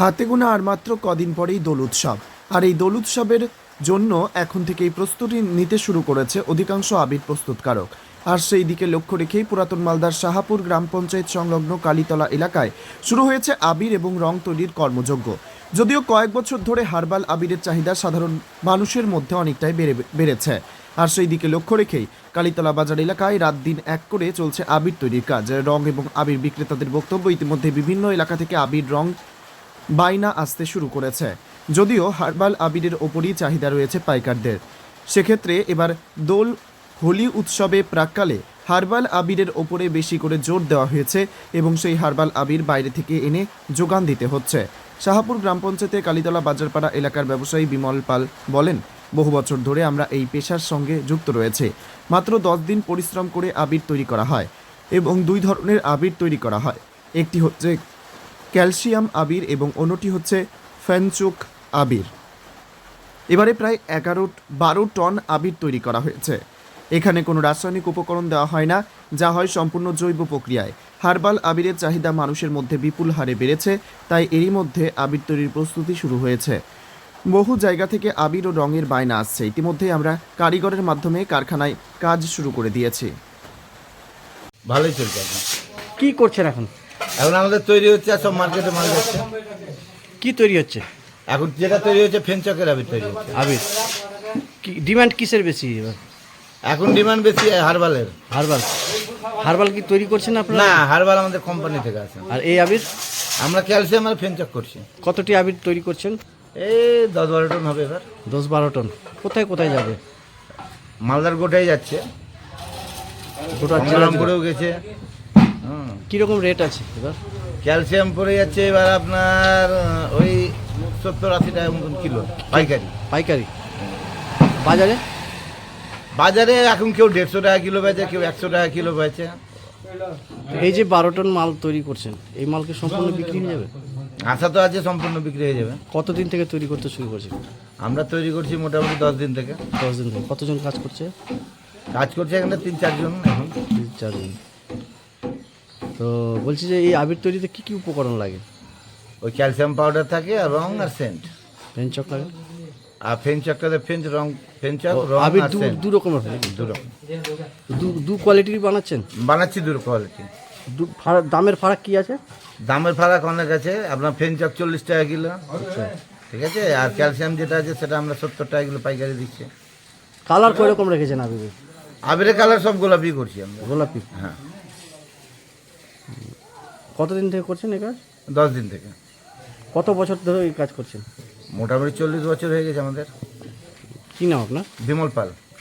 হাতে গোনা আর মাত্র কদিন পরেই দোল উৎসব। আর এই দোল উৎসবের জন্য এখন থেকেই প্রস্তুতি নিতে শুরু করেছে অধিকাংশ আবির প্রস্তুতকারক। আর সেই দিকে লক্ষ্য রেখেই পুরাতন মালদার শাহাপুর গ্রাম পঞ্চায়েত সংলগ্ন কালীতলা এলাকায় শুরু হয়েছে আবির এবং রং তৈরির কর্মযজ্ঞ। যদিও কয়েক বছর ধরে হার্বাল আবিরের চাহিদা সাধারণ মানুষের মধ্যে অনেকটাই বেড়েছে। আর সেই দিকে লক্ষ্য রেখেই কালীতলা বাজার এলাকায় রাত দিন এক করে চলছে আবির তৈরির কাজ। রং এবং আবির বিক্রেতাদের বক্তব্য, ইতিমধ্যে বিভিন্ন এলাকা থেকে আবির রং বাইনা আসতে শুরু করেছে। যদিও হার্বাল আবিরের ওপরই চাহিদা রয়েছে পাইকারদের, সেক্ষেত্রে এবার দোল হোলি উৎসবে প্রাক্কালে হার্বাল আবিরের ওপরে বেশি করে জোর দেওয়া হয়েছে এবং সেই হার্বাল আবির বাইরে থেকে এনে যোগান দিতে হচ্ছে। শাহাপুর গ্রাম পঞ্চায়েতে কালীতলা বাজারপাড়া এলাকার ব্যবসায়ী বিমল পাল বলেন, বহু বছর ধরে আমরা এই পেশার সঙ্গে যুক্ত রয়েছে। মাত্র 10 দিন পরিশ্রম করে আবির তৈরি করা হয় এবং 2 ধরনের আবির তৈরি করা হয়। একটি হচ্ছে ক্যালসিয়াম আবির এবং অন্যটি হচ্ছে ফেনচুক আবির। এবারে প্রায় 11-12 টন আবির তৈরি করা হয়েছে। এখানে কোনো রাসায়নিক উপকরণ দেওয়া হয় না, যা হয় সম্পূর্ণ জৈব প্রক্রিয়ায়। হার্বাল আবিরের চাহিদা মানুষের মধ্যে বিপুল হারে বেড়েছে, তাই এরই মধ্যে আবির তৈরির প্রস্তুতি শুরু হয়েছে। বহু জায়গা থেকে আবির ও রঙের বায়না আসছে। ইতিমধ্যেই আমরা কারিগরের মাধ্যমে কারখানায় কাজ শুরু করে দিয়েছি। ভালোই চলছে এখন। কি করছেন এখন? এখন আমাদের তৈরি হচ্ছে, আর সব মার্কেটে মাল যাচ্ছে। কি তৈরি হচ্ছে? এখন যেটা তৈরি হচ্ছে ফেনচকের আবির তৈরি হচ্ছে। আবির কি ডিমান্ড কিসের বেশি এবার? এখন ডিমান্ড বেশি হার্বালের। হার্বাল হার্বাল কি তৈরি করছেন আপনারা? না, হার্বাল আমাদের কোম্পানি থেকে আসে। আর এই আবির আমরা ক্যালসিয়াম আর ফেনচক করছি। কতটি আবির তৈরি করছেন? এই 10-12 টন হবে এবার। 10-12 টন। কোথায় কোথায় যাবে? মালদার গোটাই যাচ্ছে, গোটা গঙ্গারাম করেও গেছে। কীরকম রেট আছে এবার? ক্যালসিয়াম পড়ে যাচ্ছে এবার আপনার ওই 70-80 টাকা মতন কিলো পাইকারি। পাইকারি বাজারে? বাজারে এখন কেউ 150 টাকা কিলো বেচে, কেউ 100 টাকা কিলো বেচে। এই যে 12 টন মাল তৈরি করছেন, এই মাল কি সম্পূর্ণ বিক্রি হয়ে যাবে? আশা তো আছে সম্পূর্ণ বিক্রি হয়ে যাবে। কতদিন থেকে তৈরি করতে শুরু করছেন? আমরা তৈরি করছি মোটামুটি 10 দিন থেকে। 10 দিন থেকে। কতজন কাজ করছে? কাজ করছে এখানে 3-4 জন এখন। 3-4 জন। তো বলছি যে এই আবির তৈরিতে কি কি উপকরণ লাগে? ওই ক্যালসিয়াম পাউডার থাকে আর রং আর সেন্ট। পেনচক লাগে? আর ফেনচকটাতে ফেনচক রং আবির আর সেন্ট দু রকমের হয়? দু রকম দু কোয়ালিটির বানাচ্ছেন? বানাচ্ছি, দু কোয়ালিটি। দামের ফারাক কি আছে? দামের ফারাক অনেক আছে। আপনার ফেনচক 40 টাকা কিলো, ঠিক আছে। আর ক্যালসিয়াম যেটা আছে সেটা আমরা 70 টাকা কিলো পাইকারি দিচ্ছি। কালার কয় রকম রেখেছেন আবিরের? আবিরের কালার সব গোলাপি করছি আমরা। গোলাপি? হ্যাঁ। কতদিন থেকে করছেন এই কাজ? 10 দিন থেকে। কত বছর ধরে এই কাজ করছেন? মোটামুটি 40 বছর হয়ে গেছে আমাদের। কি নাম আপনার? বিমল পাল।